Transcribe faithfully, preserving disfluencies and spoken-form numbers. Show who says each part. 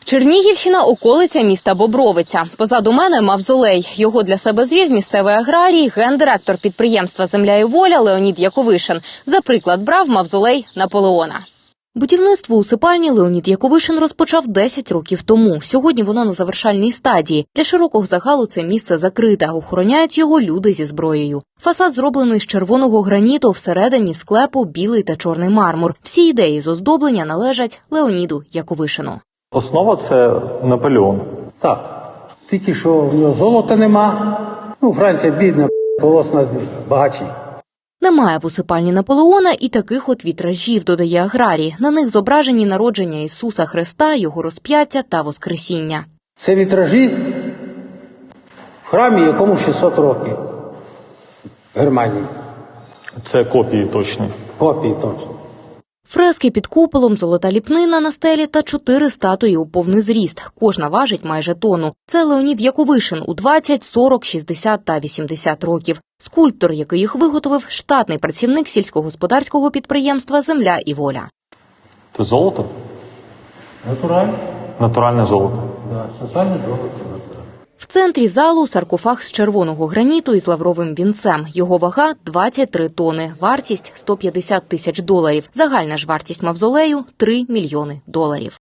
Speaker 1: Чернігівщина – околиця міста Бобровиця. Позаду мене – мавзолей. Його для себе звів місцевий аграрій, гендиректор підприємства «Земля і воля» Леонід Яковишин. За приклад брав мавзолей Наполеона. Будівництво усипальні Леонід Яковишин розпочав десять років тому. Сьогодні воно на завершальній стадії. Для широкого загалу це місце закрите. Охороняють його люди зі зброєю. Фасад зроблений з червоного граніту, всередині склепу білий та чорний мармур. Всі ідеї з оздоблення належать Леоніду Яковишину.
Speaker 2: Основа – це Наполеон.
Speaker 3: Так. Тільки що в нього золота нема. Ну, Франція бідна, колос нас багачі.
Speaker 1: Немає в усипальні Наполеона і таких от вітражів, додає аграрій. На них зображені народження Ісуса Христа, його розп'яття та воскресіння.
Speaker 3: Це вітражі в храмі, якому шістсот років. В Германії.
Speaker 2: Це копії точні.
Speaker 3: Копії точно.
Speaker 1: Фрески під куполом, золота ліпнина на стелі та чотири статуї у повний зріст. Кожна важить майже тонну. Це Леонід Яковишин у двадцять, сорок, шістдесят та вісімдесят років. Скульптор, який їх виготовив, штатний працівник сільськогосподарського підприємства «Земля і воля».
Speaker 2: Це золото?
Speaker 3: Натуральне.
Speaker 2: Натуральне золото.
Speaker 3: Да, соціальне золото.
Speaker 1: В центрі залу саркофаг з червоного граніту із лавровим вінцем. Його вага – двадцять три тони, вартість – сто п'ятдесят тисяч доларів. Загальна ж вартість мавзолею – три мільйони доларів.